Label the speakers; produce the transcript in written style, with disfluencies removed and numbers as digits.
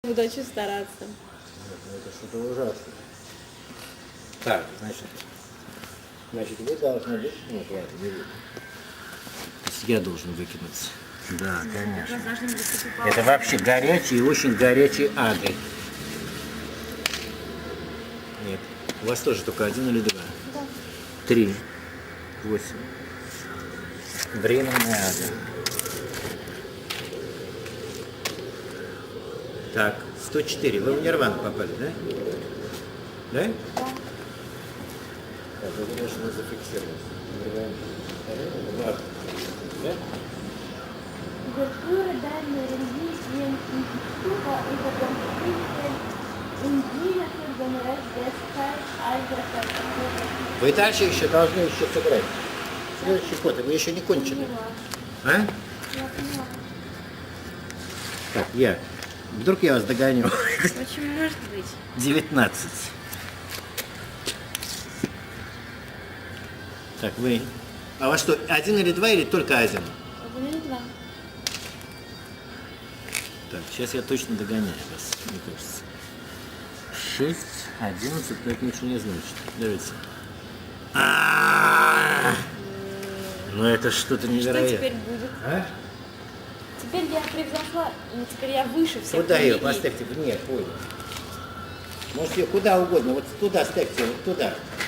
Speaker 1: Буду очень стараться.
Speaker 2: Ну, это что-то ужасное. Так, значит, вы должны быть... Нет, ладно, не вы. То есть я должен выкинуть. Да, конечно. Это вообще горячий и очень горячий адрес. Нет. У вас тоже только один или два?
Speaker 1: Да.
Speaker 2: 3, 8. Временный адрес. Так, 104. Вы в Нирвану попали, да? Да?
Speaker 1: Да.
Speaker 2: Так, это должно зафиксироваться. Да?
Speaker 3: Abertura da energia científica e da científica indígena organizadas
Speaker 2: Вы дальше еще должны еще сыграть. Следующий ход, вы еще не кончили. А? Так, вдруг я вас догоню.
Speaker 1: Очень может быть.
Speaker 2: 19. Так, вы... А у вас что, один или два, или только один?
Speaker 1: Один или два.
Speaker 2: Так, сейчас я точно догоняю вас, мне кажется. 6, 11, но это ничего не значит. Давайте. Ну это что-то
Speaker 1: Что
Speaker 2: невероятное.
Speaker 1: теперь будет?
Speaker 2: А?
Speaker 1: Теперь я превзошла, и теперь я выше всех.
Speaker 2: Куда ее
Speaker 1: людей.
Speaker 2: поставьте? Вне поля. Можете ее куда угодно. Вот туда ставьте, вот туда.